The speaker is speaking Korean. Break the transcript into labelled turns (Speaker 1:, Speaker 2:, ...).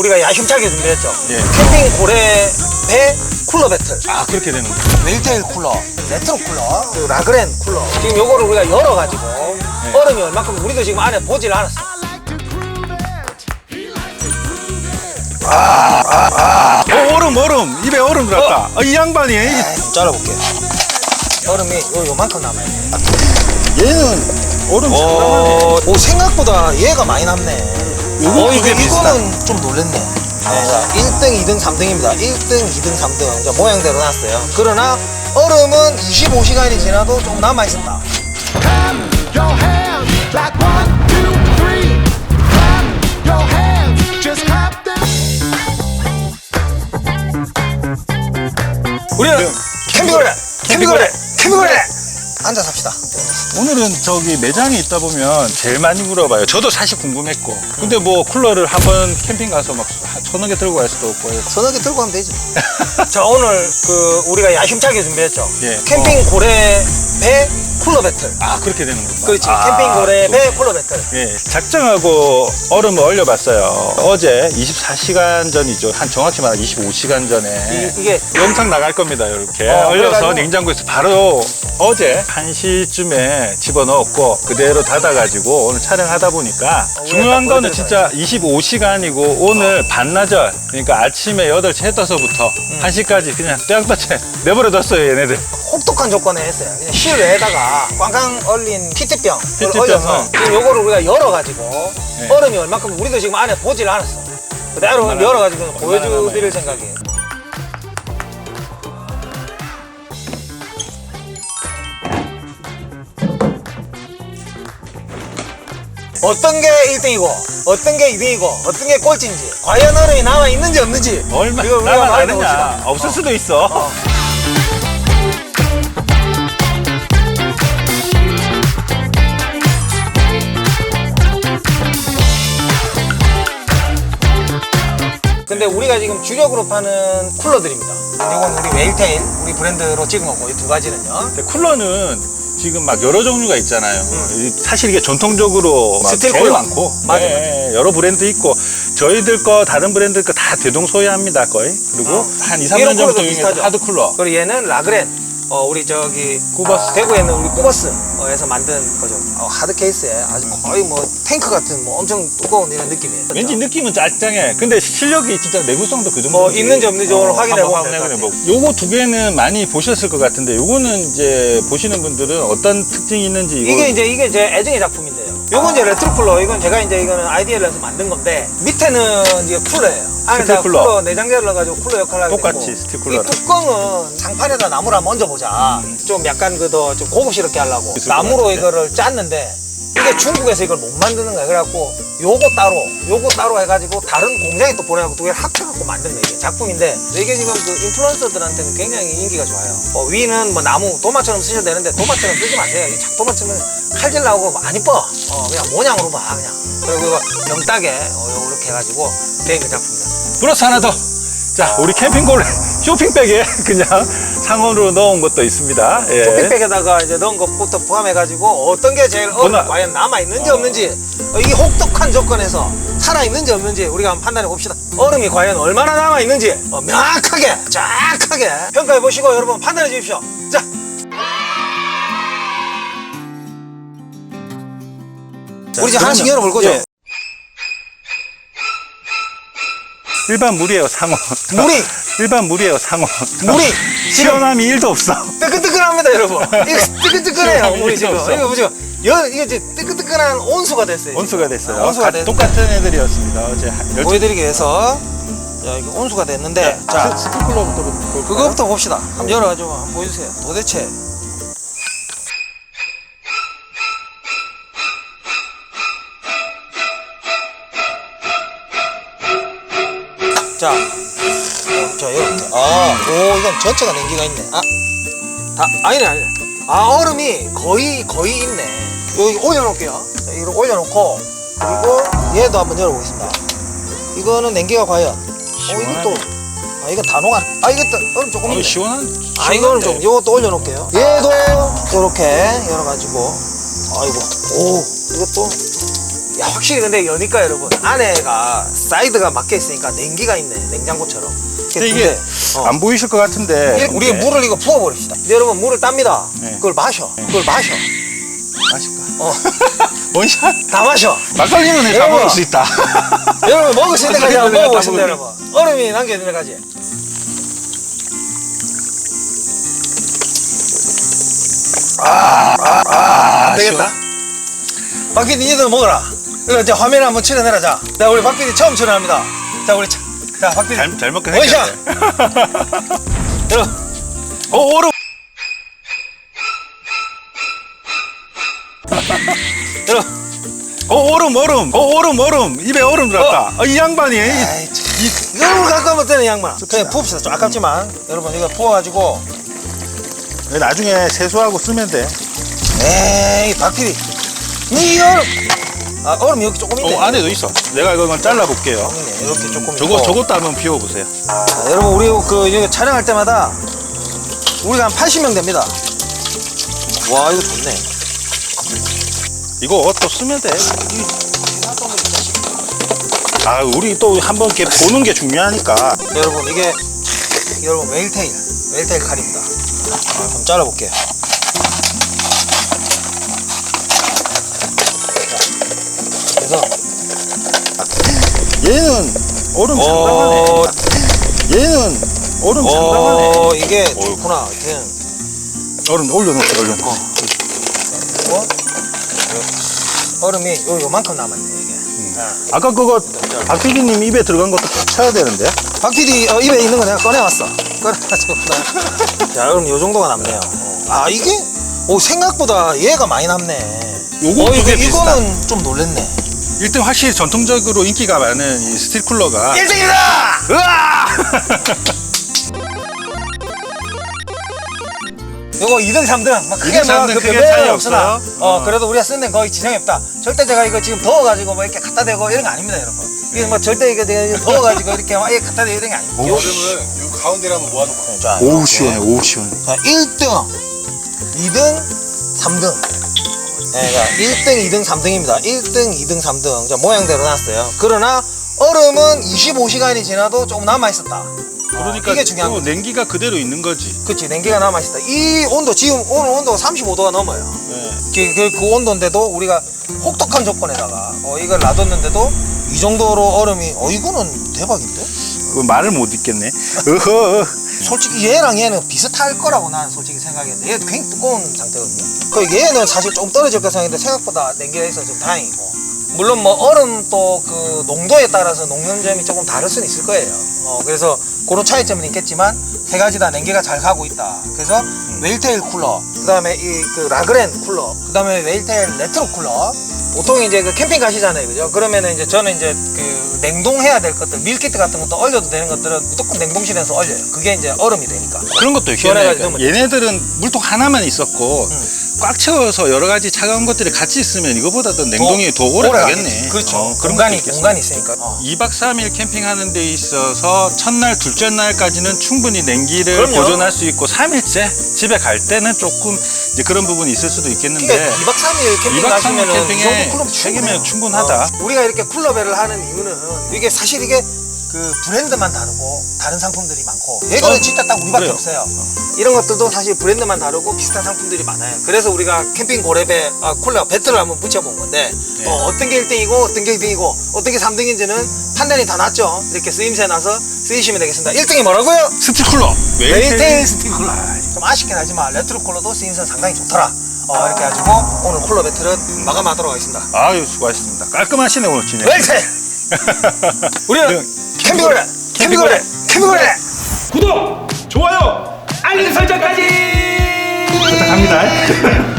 Speaker 1: 우리가 야심차게 준비했죠.
Speaker 2: 예.
Speaker 1: 캠핑 고래 배 쿨러 배틀.
Speaker 2: 아, 그렇게 되는 거예요.
Speaker 1: 웰테일 쿨러, 레트로 쿨러, 그리고 라그랜 쿨러. 지금 요거를 우리가 열어가지고 얼음이 얼마큼 우리도 지금 안에 보질 않았어.
Speaker 2: 얼음. 입에 얼음 들었다. 이 양반이.
Speaker 1: 좀 잘라볼게. 얼음이 요만큼 남아요.
Speaker 2: 얘는 얼음 상당하네.
Speaker 1: 오, 생각보다 얘가 많이 남네. 이거는 좀 놀랬네. 자, 1등, 2등, 3등입니다. 1등, 2등, 3등. 자, 모양대로 놨어요. 그러나 얼음은 25시간이 지나도 좀 남아있었다.
Speaker 3: Clap your hands like 1, 2, 3. Clap your hands, just clap them.
Speaker 1: 우리는 캠핑고래! 앉아서 합시다.
Speaker 2: 오늘은 저기 매장에 있다 보면 제일 많이 물어봐요. 저도 사실 궁금했고. 근데 뭐 쿨러를 한번 캠핑 가서 막 서너 개 들고 갈 수도 없고 해서.
Speaker 1: 서너 개 들고 가면 되지. 자, 오늘 우리가 야심차게 준비했죠.
Speaker 2: 예.
Speaker 1: 캠핑 고래 배 쿨러 배틀.
Speaker 2: 아, 그렇게 되는 건가?
Speaker 1: 그렇지. 캠핑 고래 배 쿨러 배틀.
Speaker 2: 예, 작정하고 얼음을 얼려봤어요. 어제 24시간 전이죠. 한 정확히 말하면 25시간 전에.
Speaker 1: 이게
Speaker 2: 영상 나갈 겁니다. 이렇게 얼려서
Speaker 1: 그래가지고
Speaker 2: 냉장고에서 바로 어제 1시쯤에 집어넣었고 그대로 닫아가지고 오늘 촬영하다 보니까 중요한 거는 진짜 25시간이고 오늘 반나절, 그러니까 아침에 8시 해 떠서부터 1시까지 그냥 떼약볕에 내버려뒀어요. 얘네들.
Speaker 1: 혹독한 조건에 했어요. 그냥 실외에다가 꽝꽝 얼린 피트병을
Speaker 2: 피트병을.
Speaker 1: 얼려서 지금 요거를 우리가 열어가지고
Speaker 2: 네.
Speaker 1: 얼음이 얼마큼 우리도 지금 안에 보질 않았어. 그대로 열어가지고 보여드릴 생각이에요. 어떤 게 1등이고 어떤 게 2등이고 어떤 게 꼴찌인지 과연 얼음이 남아있는지 없는지
Speaker 2: 얼마
Speaker 1: 이거 우리가
Speaker 2: 남아나느냐.
Speaker 1: 말해봅시다.
Speaker 2: 없을 수도 있어.
Speaker 1: 근데 우리가 지금 주력으로 파는 쿨러들입니다. 이건 우리 웨일테일 우리 브랜드로 찍은 거고 이 두 가지는요.
Speaker 2: 근데 쿨러는 지금 막 여러 종류가 있잖아요. 사실 이게 전통적으로 막
Speaker 1: 스틸
Speaker 2: 제일
Speaker 1: 쿨러.
Speaker 2: 많고
Speaker 1: 맞아,
Speaker 2: 네, 여러 브랜드 있고 저희들 거 다른 브랜드 거 다 대동소이합니다 거의. 그리고 한 2, 3년
Speaker 1: 이런
Speaker 2: 전부터
Speaker 1: 쿨러도
Speaker 2: 유행했던
Speaker 1: 비슷하죠.
Speaker 2: 하드 쿨러.
Speaker 1: 그리고 얘는 라그랜. 우리 저기
Speaker 2: 꾸버스.
Speaker 1: 대구에 있는 우리 꾸버스에서 만든 거죠. 하드 케이스에 아주 거의 뭐 탱크 같은 뭐 엄청 두꺼운 이런 느낌이에요.
Speaker 2: 왠지 느낌은 짤짱해. 근데 실력이 진짜 내구성도 그 정도.
Speaker 1: 뭐 있는지 없는지 오늘 확인해보면 될것 같아요.
Speaker 2: 요거 두 개는 많이 보셨을 것 같은데 요거는 이제 보시는 분들은 어떤 특징이 있는지
Speaker 1: 이게 제 애정의 작품인데요. 요건 이제 레트로 쿨러. 이건 제가 이제 이거는 아이디어를 해서 만든 건데 밑에는 이제 쿨러예요. 안에다
Speaker 2: 쿨러.
Speaker 1: 쿨러 내장재를 넣어가지고 쿨러 역할을 하게
Speaker 2: 똑같이
Speaker 1: 되고
Speaker 2: 스틸 쿨러랑.
Speaker 1: 이 뚜껑은 장판에다 나무를 한번 얹어보자. 좀 약간 좀 고급스럽게 하려고
Speaker 2: 있을 것
Speaker 1: 나무로
Speaker 2: 같은데.
Speaker 1: 이거를 짰는데 이게 중국에서 이걸 못 만드는 거야. 그래갖고 요거 따로 해가지고 다른 공장에 또 보내갖고 두 개를 합쳐갖고 만든 거예요. 이게 작품인데 이게 지금 그 인플루언서들한테는 굉장히 인기가 좋아요. 위는 뭐 나무 도마처럼 쓰셔도 되는데 도마처럼 쓰지 마세요. 이 도마처럼 칼질 나오고 안 이뻐. 그냥 모양으로 봐 그냥. 그리고 이거 명따게 이렇게 해가지고 된 그 작품이다.
Speaker 2: 플러스 하나 더. 자, 우리 캠핑골 쇼핑백에 그냥 상온으로 넣은 것도 있습니다. 예.
Speaker 1: 쇼핑백에다가 이제 넣은 것부터 포함해가지고 어떤 게 제일 과연 남아있는지 없는지 이 혹독한 조건에서 살아있는지 없는지 우리가 한번 판단해 봅시다. 얼음이 과연 얼마나 남아있는지 명확하게 정확하게 평가해 보시고 여러분 판단해 주십시오. 자, 우리 이제 하나씩 열어볼 거죠?
Speaker 2: 예. 일반 물이에요, 상온.
Speaker 1: 물이!
Speaker 2: 일반 물이에요, 상온.
Speaker 1: 물이!
Speaker 2: 시원함이 1도 없어.
Speaker 1: 뜨끈뜨끈합니다 여러분. 이거 뜨끈뜨끈해요
Speaker 2: 시원함이
Speaker 1: 물이
Speaker 2: 일도
Speaker 1: 지금.
Speaker 2: 없어.
Speaker 1: 이거 보죠. 이게 이제 뜨끈뜨끈한 온수가 됐어요.
Speaker 2: 온수가 됐어요.
Speaker 1: 온수가 됐는데
Speaker 2: 똑같은 애들이었습니다. 어제
Speaker 1: 보여드리기 위해서 자, 이거 온수가 됐는데 자,
Speaker 2: 스티클러부터 볼까요?
Speaker 1: 그거부터 봅시다. 한번 열어가지고 한번 보여주세요. 도대체 자, 이렇게. 이건 전체가 냉기가 있네. 아니네. 얼음이 거의 있네. 여기 올려놓을게요. 자, 이걸 올려놓고 그리고 얘도 한번 열어보겠습니다. 이거는 냉기가 과연. 이것도. 이건 다 녹아. 이것도 얼음 조금 있네.
Speaker 2: 시원한.
Speaker 1: 이거는 좀 이것도 올려놓을게요. 얘도 이렇게 열어가지고. 이것도 야, 확실히 근데 여니까 여러분 안에가 사이드가 막혀 있으니까 냉기가 있네. 냉장고처럼.
Speaker 2: 근데 이게 안 보이실 것 같은데
Speaker 1: 우리 물을 이거 부어버립시다. 이제 여러분 물을 땁니다.
Speaker 2: 네.
Speaker 1: 그걸 마셔. 그걸 마셔.
Speaker 2: 마실까?
Speaker 1: 원샷 다 마셔.
Speaker 2: 막걸리는 다
Speaker 1: 여러분.
Speaker 2: 먹을 수 있다.
Speaker 1: 여러분 먹을 수 있는 까지 한번
Speaker 2: 막걸리는
Speaker 1: 먹어보신다
Speaker 2: 다
Speaker 1: 여러분. 얼음이 남겨있는 까지. 안 되겠다. 박PD 니들 먹어라. 이거 이제 화면에 한번 칠해내라. 자, 우리 박PD 처음 칠해합니다. 자, 우리 자 박PD
Speaker 2: 잘 먹긴
Speaker 1: 원샷.
Speaker 2: 했겠네.
Speaker 1: 여러분
Speaker 2: 얼음.
Speaker 1: 여러분
Speaker 2: 얼음. 입에 얼음 들었다. 이 양반이.
Speaker 1: 아이, 참. 이걸 갖고 하면 되는 양반. 그냥 부읍시다. 좀 아깝지만 여러분 이거 부어가지고.
Speaker 2: 나중에 세수하고 쓰면 돼.
Speaker 1: 에이 박PD 이 얼음. 아 얼음 여기 조금 있네.
Speaker 2: 안에도 있어. 내가 이건 잘라볼게요.
Speaker 1: 있네. 이렇게 조금 있고.
Speaker 2: 저것도 한번 비워보세요.
Speaker 1: 자, 여러분 우리 그 이거 촬영할 때마다 우리가 한 80명 됩니다. 와 이거 좋네.
Speaker 2: 이거 또 쓰면 돼. 아, 우리 또 한번 이렇게 보는 게 중요하니까.
Speaker 1: 여러분 이게 여러분 웨일테일 칼입니다. 한번 잘라볼게요. 자, 그래서
Speaker 2: 얘는 얼음 상당하네. 얘는 얼음 상당하네.
Speaker 1: 이게
Speaker 2: 어이구.
Speaker 1: 좋구나. 그냥
Speaker 2: 얼음 올려놓을게, 올려놓을게.
Speaker 1: 뭐 얼음이 요만큼 남았네 이게.
Speaker 2: 아까 그거 박PD님 입에 들어간 것도 꼭 쳐야 되는데.
Speaker 1: 박PD 입에 있는 거 내가 꺼내왔어. 꺼내가지고 자 그럼 요 정도가 남네요. 아 이게 생각보다 얘가 많이 남네.
Speaker 2: 요거 두 개 비슷한.
Speaker 1: 이거는 좀 놀랬네.
Speaker 2: 1등 확실히 전통적으로 인기가 많은 이 스틸 쿨러가
Speaker 1: 1등이다!
Speaker 2: 으아!
Speaker 1: 요거 2등, 3등 막 크게
Speaker 2: 2등, 3등
Speaker 1: 그
Speaker 2: 크게
Speaker 1: 별로
Speaker 2: 차이
Speaker 1: 없으나
Speaker 2: 없어요?
Speaker 1: 그래도 우리가 쓰는 데는 거의 지장이 없다. 절대 제가 이거 지금 더워가지고 뭐 이렇게 갖다 대고 이런 거 아닙니다 여러분. 이게 뭐 절대 이거 내가 더워가지고 이렇게 막 갖다 대고 이런 게 아닙니다.
Speaker 4: 얼음을 요 가운데를 한번 모아놓고
Speaker 1: 자,
Speaker 2: 오우 시원해, 오우 시원해.
Speaker 1: 자 1등, 2등, 3등. 네, 자, 1등, 2등, 3등입니다. 1등, 2등, 3등. 자, 모양대로 놨어요. 그러나 얼음은 25시간이 지나도 조금 남아있었다.
Speaker 2: 그러니까
Speaker 1: 이게 중요한
Speaker 2: 또
Speaker 1: 거지.
Speaker 2: 냉기가 그대로 있는 거지.
Speaker 1: 그치, 냉기가 남아있었다. 이 온도, 지금 오늘 온도가 35도가 넘어요.
Speaker 2: 네.
Speaker 1: 그 온도인데도 우리가 혹독한 조건에다가 이걸 놔뒀는데도 이 정도로 얼음이 이거는 대박인데?
Speaker 2: 그 말을 못 읽겠네. 어허.
Speaker 1: 솔직히 얘랑 얘는 비슷할 거라고 나는 솔직히 생각했는데 얘도 굉장히 두꺼운 상태거든요. 그 얘는 사실 좀 떨어질 거 생각했는데 생각보다 냉기가 있어서 좀 다행이고, 물론 뭐 얼음 또 그 농도에 따라서 녹는 점이 조금 다를 수는 있을 거예요. 그래서 그런 차이점은 있겠지만 세 가지 다 냉기가 잘 가고 있다. 그래서 웨일테일 쿨러, 그다음에 이 그 라그랜 쿨러, 그다음에 웨일테일 레트로 쿨러. 보통 이제 그 캠핑 가시잖아요, 그죠? 그러면은 이제 저는 이제 그 냉동해야 될 것들, 밀키트 같은 것도 얼려도 되는 것들은 무조건 냉동실에서 얼려요. 그게 이제 얼음이 되니까.
Speaker 2: 그런 것도
Speaker 1: 시원해가지고
Speaker 2: 희한해. 얘네들은 물통 하나만 있었고 꽉 채워서 여러 가지 차가운 것들이 같이 있으면 이거보다 더 냉동이 더 오래 가겠네.
Speaker 1: 그렇죠.
Speaker 2: 그런
Speaker 1: 공간이
Speaker 2: 것도 있겠어.
Speaker 1: 공간이 있으니까.
Speaker 2: 2박 3일 캠핑하는 데 있어서 첫날, 둘째 날까지는 충분히 냉기를
Speaker 1: 그럼요.
Speaker 2: 보존할 수 있고 3일째 집에 갈 때는 조금 이제 그런 부분이 있을 수도 있겠는데
Speaker 1: 그러니까 2박 3일 캠핑
Speaker 2: 2박 3일
Speaker 1: 가시면은 이
Speaker 2: 캠핑에
Speaker 1: 정도 쿨러면
Speaker 2: 3개면 충분하다.
Speaker 1: 우리가 이렇게 쿨러배를 하는 이유는 이게 사실 이게 그 브랜드만 다르고 다른 상품들이 많고 얘는 진짜 딱 우리밖에
Speaker 2: 그래요.
Speaker 1: 없어요. 이런 것들도 사실 브랜드만 다르고 비슷한 상품들이 많아요. 그래서 우리가 캠핑 고렙에 쿨러 배틀을 한번 붙여본 건데
Speaker 2: 네.
Speaker 1: 어떤 게 1등이고 어떤 게 2등이고 어떤 게 3등인지는 판단이 다 났죠. 이렇게 쓰임새 나서 쓰이시면 되겠습니다. 1등이 뭐라고요?
Speaker 2: 스틸 쿨러.
Speaker 1: 웨일테일 스틸 쿨러. 좀 아쉽긴 하지만 레트로 쿨러도 쓰임새 상당히 좋더라. 이렇게 해가지고 오늘 쿨러 배틀은 마감하도록 하겠습니다.
Speaker 2: 아유, 수고하셨습니다. 깔끔하시네 오늘 진행.
Speaker 1: 웨일테일! 우리는 캠핑고래! 캠핑고래! 캠핑고래!
Speaker 2: 구독, 좋아요, 알림 설정까지 부탁합니다.